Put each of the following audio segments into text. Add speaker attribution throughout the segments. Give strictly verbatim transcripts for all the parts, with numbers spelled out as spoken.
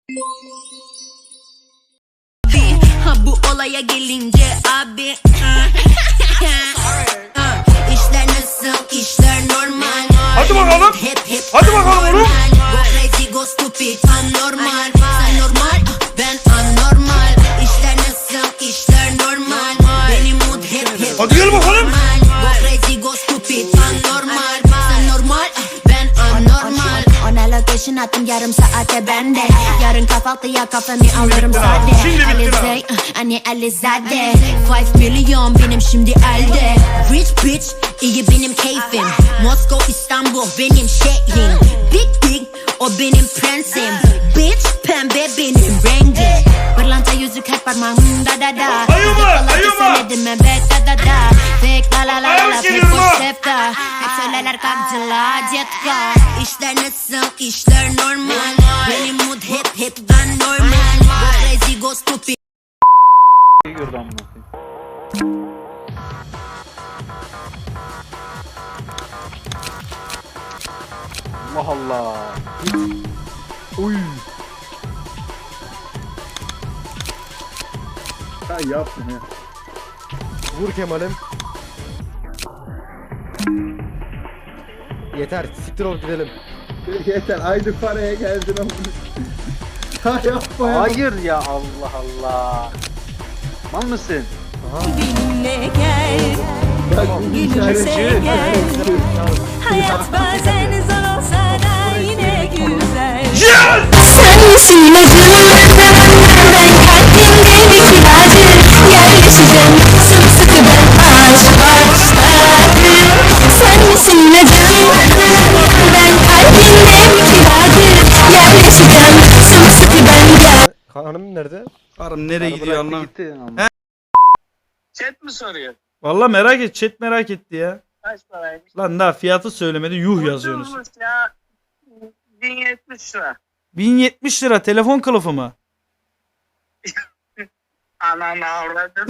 Speaker 1: Ha, bu olaya gelince abi İşler nasıl, işler normal.
Speaker 2: Hadi bakalım.
Speaker 1: Hep hep
Speaker 2: Hadi bakalım oğlum.
Speaker 1: Go crazy, go stupid, anormal. Sen normal, ben anormal. İşler nasıl, işler normal. Benim mood hep hep
Speaker 2: Hadi gel bakalım.
Speaker 1: Go crazy, go stupid, anormal. Sen normal, ben anormal. Ona location attım yarım saate bende. Yarın kahvaltıya kafamı alırım sade.
Speaker 2: Şimdi bitti lan.
Speaker 1: Alizé, anne Alizade. Five milyon benim şimdi elde. Rich bitch, iyi benim keyfim. Moskova, İstanbul benim şehrim. Big big, o benim prensim. Bitch, pembe benim rengim. Pırlanta yüzük hep parmağımda da da.
Speaker 2: Ayıma, ayıma.
Speaker 1: Söyledim ben bet da da da. Fake la la la la la,
Speaker 2: Ayıp
Speaker 1: fake
Speaker 2: geliyor
Speaker 1: boş
Speaker 2: lan.
Speaker 1: septa. Hep söylerler kalktılar cetka. İşler nasıl, işler normal. Benim mood hep hep ben normal. Go crazy, go stupid.
Speaker 3: Gördü amına koyayım. Allah Allah. Uy.
Speaker 4: Ha yapma ya.
Speaker 5: Vur Kemal'im. Yeter, siktir ol gidelim.
Speaker 4: Yeter aynı paraya geldin ama. Ha yapma ya.
Speaker 3: Hayır ya, Allah Allah. Mal mısın?
Speaker 6: Benimle gel,
Speaker 4: Bak,
Speaker 6: gülümse gel. Hayat bazen zor olsa da yine güzel.
Speaker 7: Sen misin ilacım? Ben kalbimde bir kiracı. Yerleşeceğim sımsıkı ben aşk başladım. Sen misin ilacım? Ben kalbimde bir kiracı. Yerleşeceğim sımsıkı ben gel.
Speaker 5: Hanım nerede?
Speaker 2: Karım nereye gidiyor
Speaker 3: Bıraktı
Speaker 2: anlam.
Speaker 3: gitti ama.
Speaker 8: Chat mi soruyor?
Speaker 2: Valla merak et, chat merak etti ya.
Speaker 8: Kaç paraymış?
Speaker 2: Lan daha fiyatı söylemedi, yuh yazıyorsunuz.
Speaker 8: Ucuzmuş ya. bin yetmiş lira.
Speaker 2: bin yetmiş lira telefon kılıfı mı?
Speaker 8: Ananı avradım.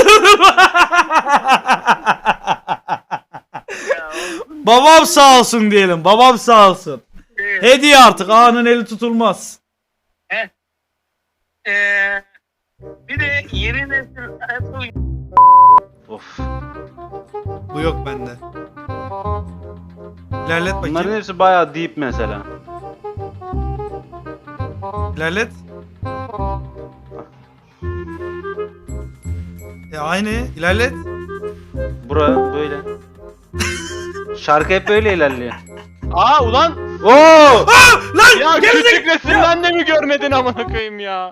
Speaker 8: Ya,
Speaker 2: Babam sağ olsun diyelim, babam sağ olsun.
Speaker 8: evet.
Speaker 2: Hediye artık, ağanın eli tutulmaz.
Speaker 8: Ee, bir de yeni nesil Apple
Speaker 3: Of.
Speaker 2: Bu yok bende. İlerlet
Speaker 3: Bunların
Speaker 2: bakayım.
Speaker 3: hepsi bayağı deep mesela.
Speaker 2: İlerlet. E aynı. İlerlet.
Speaker 3: Bura böyle. Şarkı hep böyle ilerliyor.
Speaker 9: Aa ulan
Speaker 3: Oo!
Speaker 2: Lan
Speaker 9: ya
Speaker 2: gerizek-
Speaker 9: küçük resimden de mi görmedin amına koyayım ya?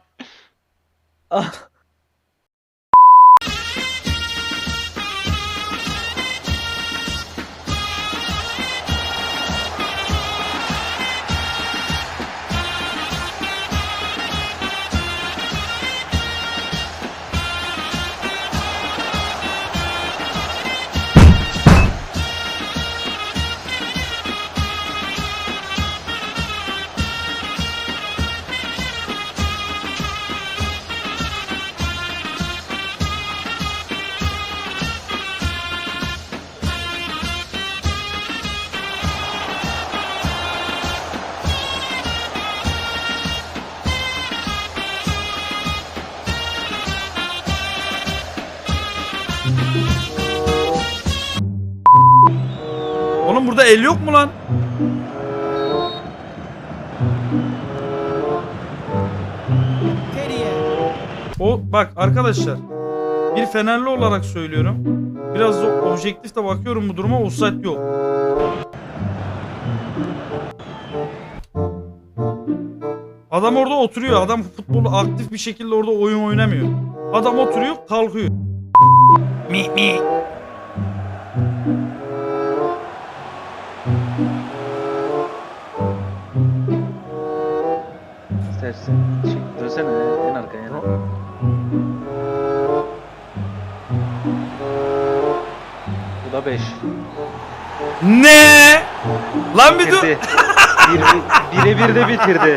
Speaker 2: Oğlum burada el yok mu lan? O bak arkadaşlar, bir Fenerli olarak söylüyorum. Biraz da objektif de bakıyorum bu duruma, offside yok. Adam orada oturuyor. Adam futbolu aktif bir şekilde orada oyun oynamıyor. Adam oturuyor, kalkıyor. Mi mi.
Speaker 3: İstersen. Çık, dönsene en arkaya. Bu da beş.
Speaker 2: Ne? Lan bir dur.
Speaker 3: Bitirdi. Bir, bire bir de bitirdi.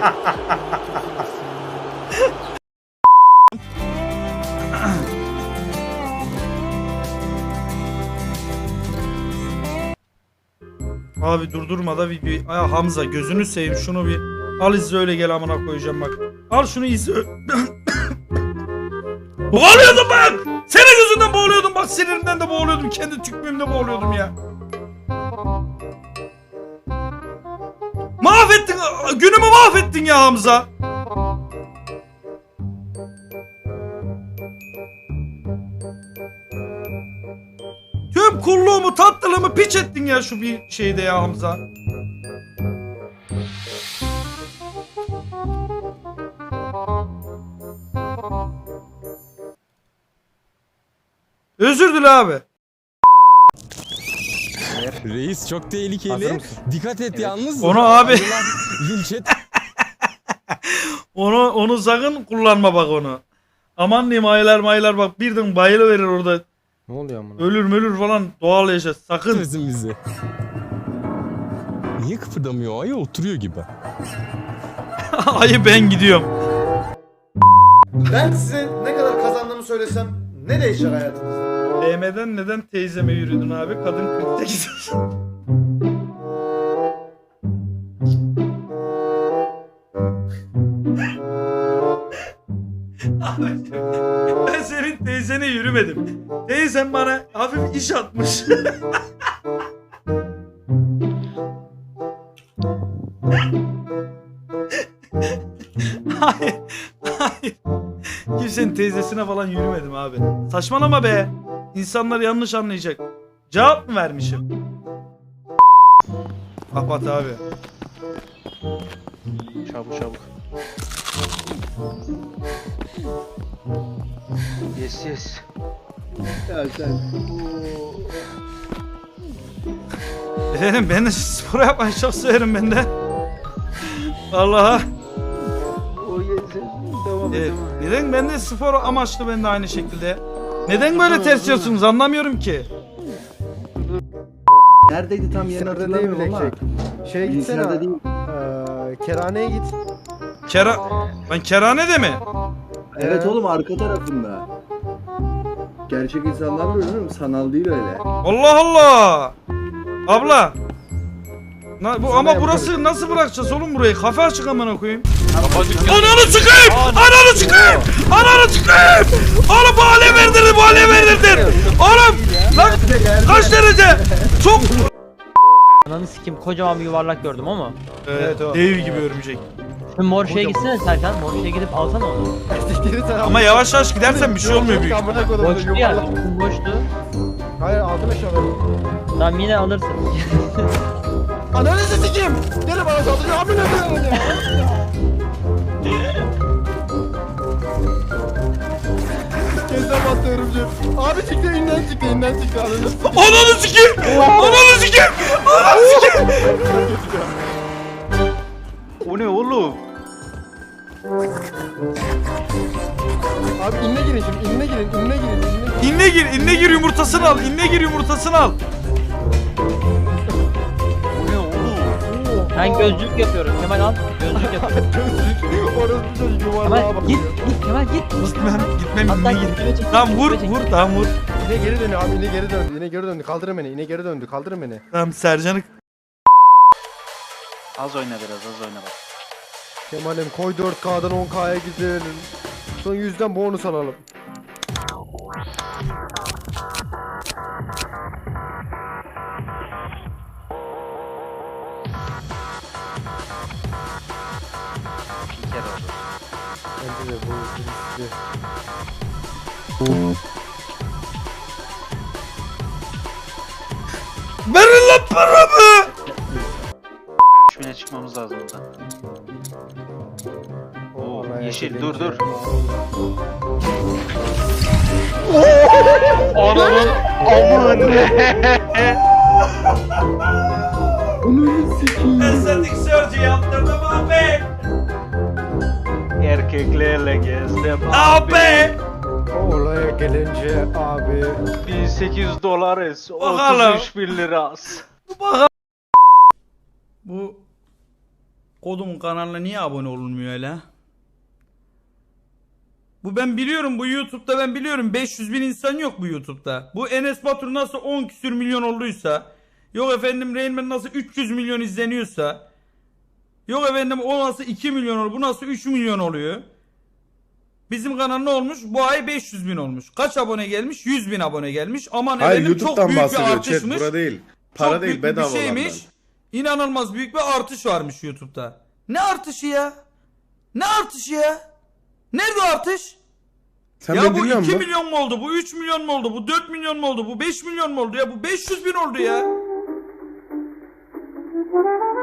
Speaker 2: Abi durdurma da videoyu. Ay Hamza gözünü seveyim şunu bir Al izle öyle gel amına koyacağım bak. Al şunu izle. Boğuluyordum bak. Senin yüzünden boğuluyordum bak, sinirimden de boğuluyordum. Kendi tükmüğümde boğuluyordum ya. Mahvettin. Günümü mahvettin ya Hamza. Tüm kulluğumu, tatlılığımı piç ettin ya şu bir şeyde ya Hamza. Özür dile abi.
Speaker 10: Reis çok
Speaker 5: Hazır
Speaker 10: tehlikeli.
Speaker 5: mısın?
Speaker 10: Dikkat et yalnız.
Speaker 2: Onu abi.
Speaker 10: Linç et.
Speaker 2: Onu onu sakın kullanma bak onu. Aman diyeyim aylar maylar bak birden bayılıverir orada.
Speaker 5: Ne oluyor amına?
Speaker 2: Ölür mölür falan doğal yaşa sakın.
Speaker 10: Özün bizi. Niye kıpırdamıyor? Ayı oturuyor gibi.
Speaker 2: Ayı ben gidiyorum.
Speaker 11: Ben size ne kadar kazandığımı söylesem ne değişir hayatınızda?
Speaker 2: B M'den neden teyzeme yürüdün abi? Kadın kırk sekiz yaşında. Abi, ben senin teyzene yürümedim. Teyzem bana hafif iş atmış. Hayır, hayır. Kimsenin teyzesine falan yürümedim abi. Saçmalama be. İnsanlar yanlış anlayacak. Cevap mı vermişim? Kapat abi.
Speaker 3: Çabuk çabuk. Yes yes.
Speaker 4: Ya sen.
Speaker 2: Efendim ben de spor yapmayı çok severim ben de. Vallahi.
Speaker 3: O yes yes. Tamam
Speaker 2: Evet.
Speaker 3: tamam.
Speaker 2: Neden ben de spor amaçlı ben de aynı şekilde. Neden böyle ters yiyorsunuz anlamıyorum ki.
Speaker 4: Neredeydi tam yerini
Speaker 5: Bilgisayarda değil mi
Speaker 4: hatırlamıyorum ama.
Speaker 5: Lekçek? Şeye gitsene.
Speaker 4: Bilgisayarda değil.
Speaker 5: Eee Kerhane'ye git.
Speaker 2: Kera... Ben kerhanede mi?
Speaker 4: Evet
Speaker 5: Ee?
Speaker 4: oğlum arka tarafında. Gerçek insanlar böyle mi? Sanal değil öyle.
Speaker 2: Allah Allah. Abla. Na, bu,
Speaker 5: Sana
Speaker 2: ama
Speaker 5: yaparız.
Speaker 2: burası nasıl bırakacağız oğlum burayı? Kafe açık amına koyayım. Ananı çıkayım! Ananı çıkayım! Ananı çıkayım! Oğlum bu alev verdirdin, bu alev verdirdin! Oğlum! Lan kaç derece? Çok...
Speaker 12: Ananı sikim kocaman bir yuvarlak gördüm ama.
Speaker 2: Evet, dev gibi örümcek.
Speaker 12: Şu mor şeye gitsene Serkan. Mor şeye gidip alsana onu.
Speaker 2: Ama yavaş yavaş gidersen bir şey olmuyor büyük.
Speaker 5: Amına koydum.
Speaker 12: Boştu ya. Boştu.
Speaker 5: Hayır altına şalalım.
Speaker 12: Tamam yine alırsın.
Speaker 5: Ananı sikeyim. Gel bana saldırıyor. Amına koyayım ya. Kezden bastı örümcek. Abi çıktı inden çıktı inden çıktı. Ananı sikeyim.
Speaker 2: Ananı sikeyim! Ananı sikeyim! Ananı sikeyim!
Speaker 3: O ne oğlum?
Speaker 5: Abi inne girin şimdi inne girin inne girin inne girin.
Speaker 2: İnne gir, inne gir yumurtasını al, inne gir yumurtasını al.
Speaker 3: O ne oğlum?
Speaker 12: Ben gözlük yapıyorum. Kemal al. Gözlük yapıyorum.
Speaker 5: Gözlük. Orası bir çocuk yuvarlığa
Speaker 12: Kemal
Speaker 5: bakıyor.
Speaker 12: git git Kemal git.
Speaker 2: Gitmem, gitmem,
Speaker 12: Hatta
Speaker 2: inne gir.
Speaker 12: gitmeye çek.
Speaker 2: Tamam vur,
Speaker 12: gitmeye çek.
Speaker 2: vur, tamam vur.
Speaker 5: İne geri dönüyor abi ine geri döndü ine geri döndü kaldırın beni ine geri döndü kaldırın beni.
Speaker 2: Tamam Sercan'ı...
Speaker 3: Az oyna biraz az oyna bak.
Speaker 5: Kemal'im koy dört K'dan on K'ya gidelim. Son yüzden bonus alalım.
Speaker 3: Bir kere oldu.
Speaker 5: Bence de bu riskli.
Speaker 2: Verin lan paramı!
Speaker 3: üç bine çıkmamız lazım buradan. Oo,
Speaker 5: Vallahi
Speaker 3: yeşil
Speaker 5: gelince-
Speaker 3: dur dur.
Speaker 9: Ananın amına.
Speaker 4: Onu sikiyim.
Speaker 2: Estetik surgery yaptırdım abi.
Speaker 3: Erkeklerle gezdim
Speaker 2: Abi!
Speaker 5: Olaya gelince abi.
Speaker 3: bin sekiz yüz dolarız.
Speaker 2: Bakalım.
Speaker 3: otuz üç bin liras.
Speaker 2: Bu kodumun kanalına niye abone olunmuyor öyle? Bu ben biliyorum, bu YouTube'da ben biliyorum beş yüz bin insan yok bu YouTube'da. Bu Enes Batur nasıl on küsür milyon olduysa, yok efendim Rain Man nasıl üç yüz milyon izleniyorsa, Yok efendim o nasıl iki milyon oluyor, bu nasıl üç milyon oluyor. Bizim kanal ne olmuş? Bu ay beş yüz bin olmuş. Kaç abone gelmiş? yüz bin abone gelmiş. Aman
Speaker 11: Hayır
Speaker 2: efendim çok
Speaker 11: YouTube'dan
Speaker 2: büyük bir
Speaker 11: bahsediyor chat.
Speaker 2: artışmış.
Speaker 11: Bura değil. Para
Speaker 2: Çok
Speaker 11: değil
Speaker 2: büyük bir
Speaker 11: bedava
Speaker 2: şeymiş.
Speaker 11: olandan.
Speaker 2: İnanılmaz büyük bir artış varmış YouTube'da. Ne artışı ya? Ne artışı ya? Nerede o artış?
Speaker 11: Sen
Speaker 2: ya
Speaker 11: beni
Speaker 2: bu
Speaker 11: dinliyor
Speaker 2: iki
Speaker 11: musun?
Speaker 2: milyon mu oldu? Bu üç milyon mu oldu? Bu dört milyon mu oldu? Bu beş milyon mu oldu ya? Bu beş yüz bin oldu ya.